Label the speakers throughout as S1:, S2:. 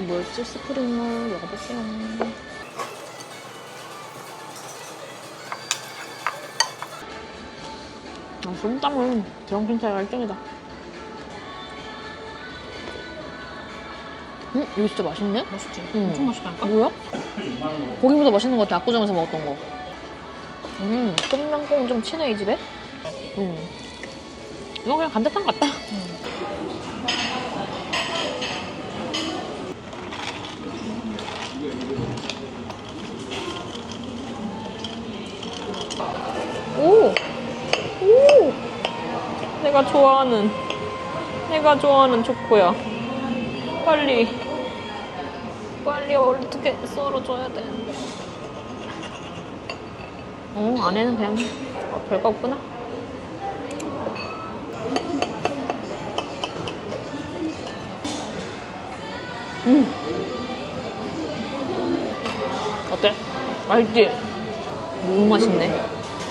S1: 뭐였지? 스프링롤 먹어볼게요. 솜땀은 드렁킨 차이가 1등이다. 이거 진짜 맛있네?
S2: 맛있지?
S1: 응.
S2: 엄청 맛있다니까?
S1: 뭐야? 고기보다 맛있는 것 같아. 압구정에서 먹었던 거. 똠양꿍 좀 치네, 이 집에? 이거 그냥 감자탕 같다. 오! 오! 내가 좋아하는 초코야. 빨리 어떻게 썰어줘야 되는데. 안에는 그냥 별거 없구나. 어때? 맛있지? 너무 맛있네.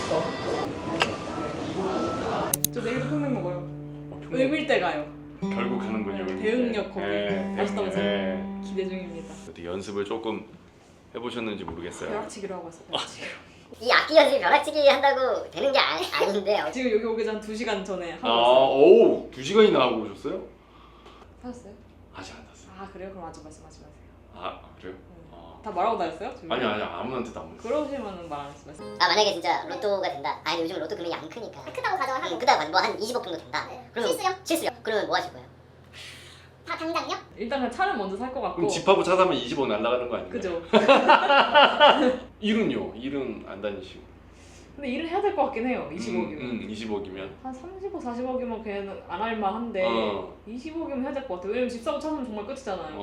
S2: 저 내일도 평냉 먹어요. 을밀대 가요.
S3: 결국 가는군요.
S2: 대응력 거기 맛있다면서
S3: 네.
S2: 기대 중입니다.
S3: 어떻게 연습을 조금 해보셨는지 모르겠어요.
S2: 벼락치기로 하고 왔어요. 벼락치기로.
S4: 이 악기 연습이 벼락치기 한다고 되는 게 아닌데요.
S2: 지금 여기 오기 전 2시간 전에 하고
S3: 아,
S2: 왔어요.
S3: 오, 2시간이나 하고 오셨어요?
S2: 하셨어요?
S3: 아직 안 탔어요.
S2: 아 그래요? 그럼 아직 말씀하지 마세요.
S3: 아, 그래요? 아.
S2: 다 말하고 다녔어요? 지금?
S3: 아니 아무한테도 안 물었어요.
S2: 그러시면은 말 안 했어요.
S4: 만약에 진짜 로또가 된다. 아니 요즘 로또 금액이 안 크니까. 크다고 가정을 하고. 크다고 가정 뭐한 20억 정도 된다. 네. 그러면 실수요? 그러면 뭐 하실 거예요? 다 당장요?
S2: 일단 그냥 차를 먼저 살 것 같고.
S3: 그럼 집하고 차 사면 20억 날라가는 거 아닌가요?
S2: 그죠?
S3: 일은요? 일은 안 다니시고.
S2: 근데 일을 해야 될 것 같긴 해요. 20억이면.
S3: 20억이면.
S2: 한 30억, 40억이면 걔는 안 할 만한데 20억이면 해야 될 것 같아요. 왜냐면 집 사고 차 사면 정말 끝이잖아요.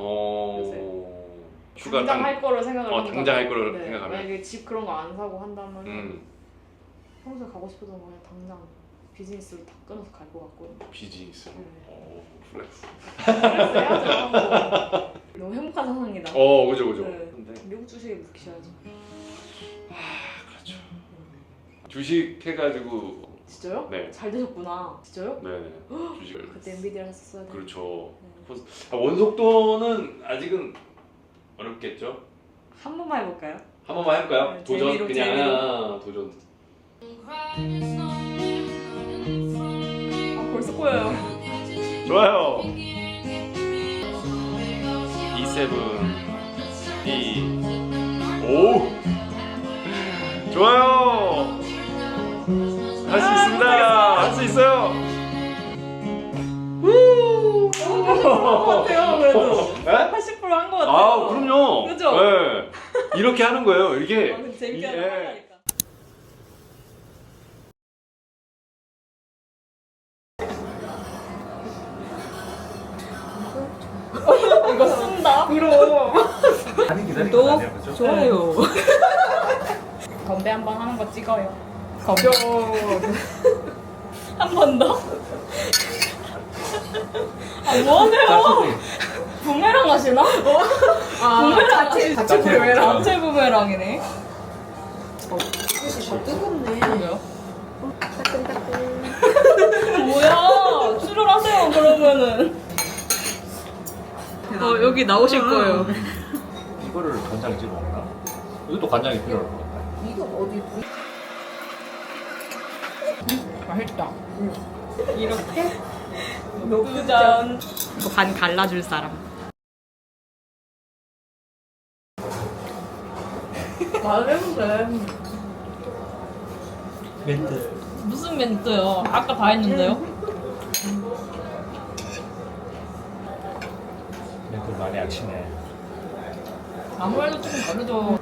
S3: 휴가
S2: 당장 할 거를 생각을 한다면.
S3: 당장 할 거를 생각하면.
S2: 만약에 집 그런 거 안 사고 한다면 평소에 가고 싶었던 거 그냥 당장 비즈니스로 다 끊어서 갈 것 같고.
S3: 비즈니스. 플렉스.
S2: 플렉스 해야죠. 너무 행복한 상황이다.
S3: 그죠.
S2: 네.
S3: 근데
S2: 미국 주식에 묵히셔야죠.
S3: 그렇죠. 주식 해가지고.
S2: 진짜요?
S3: 네.
S2: 잘 되셨구나. 진짜요?
S3: 네네. 주식을.
S2: 그때 엔비디아를 했었어야 돼.
S3: 그렇죠. 원속도는 아직은 어렵겠죠?
S2: 한 번만 해볼까요?
S3: 한 번만 해볼까요?
S2: 네,
S3: 도전
S2: 재미로,
S3: 그냥
S2: 재미로.
S3: 도전.
S2: 아 벌써 꼬여요.
S3: 좋아요. E7 오 좋아요. 할 수 있습니다. 할 수 있어요.
S2: 한것 같아요. 그래도
S3: 네?
S2: 80%한 것 같아요.
S3: 아 그럼요.
S2: 그죠?
S3: 네. 이렇게 하는 거예요. 이게
S2: 근데 재밌게 하는 거니까. 이거 쓴다? 그럼. 구독, 좋아요. 건배 한 번 하는 거 찍어요. 건배. 한 번 더. 아 뭐하세요? 부메랑 하시나? 부메랑 자체 부메랑. 자체 부메랑이네. 뜨겁네. 뭐야? 뭐야? 출혈하세요 그러면은. 여기 나오실 거예요.
S5: 이거를 간장에 찍어 먹나? 이것도 간장이 필요할 것 같아.
S2: 맛있다. 이렇게 녹두전. 이거 반 갈라줄 사람. 말해보세요.
S5: 멘트.
S2: 무슨 멘트요? 아까 다 했는데요?
S5: 멘트 많이 약치네.
S2: 아무래도 좀 다르죠.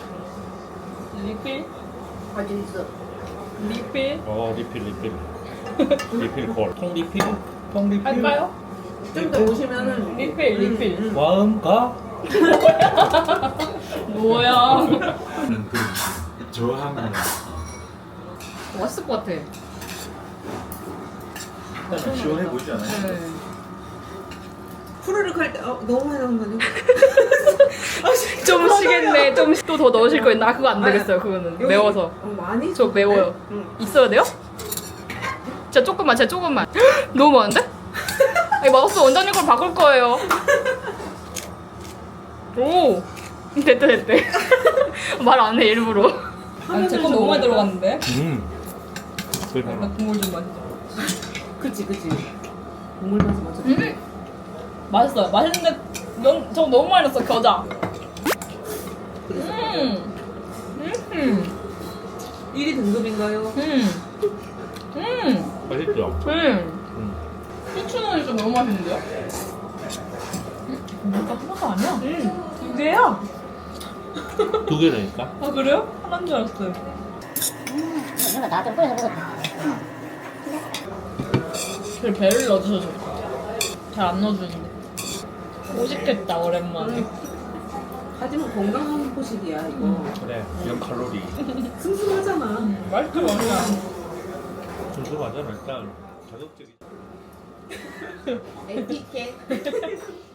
S2: 리필?
S4: 어디 있어?
S2: 리필?
S5: 리필. 리필 콜. 통 리필? 통 리필?
S2: 할까요?
S6: 좀 더 오시면은
S2: 리필.
S5: 마음가?
S2: 뭐야?
S5: 저항하는.
S2: 맛있을 것 같아.
S5: 시원해 보이지 않아요?
S2: 네.
S6: 후루룩 할 때 너무 많이 나온 거 아니야?
S2: 좀 시겠네. 좀 또 더 넣으실 거예요. 나 그거 안 되겠어요. 그거는
S6: 여기-
S2: 매워서.
S6: 많이?
S2: 저 매워요.
S6: 응.
S2: 있어야 돼요? 진짜 조금만. 너무 많은데? 아니, 마우스 원장님 걸 바꿀 거예요. 오! 됐대. 말 안 해, 일부러.
S1: 제거 너무 많이 들어갔는데?
S5: 그러니까.
S1: 국물 좀 마시자.
S6: 그치. 국물 맛이 맞아.
S1: 맛있어요. 맛있는데 저거 너무 많이 넣었어, 겨자.
S6: 1위 등급인가요?
S5: 맛있죠?
S1: 후추는 좀 너무 맛있는데요? 이거 하나가 아니야? 두 개야?
S5: 두 개라니까?
S1: 아 그래요? 하나인 줄 알았어요.
S4: 이거 나좀 뿌려서 먹었다.
S1: 그 배를 넣어주셔서 잘 안 넣어주는데. 오식했다 오랜만에.
S6: 하지만 건강한 포식이야 이거.
S5: 그래 0칼로리
S6: 슴슴하잖아.
S1: 맛있어.
S5: 순수하잖아 일단 자극적이
S6: 에티켓.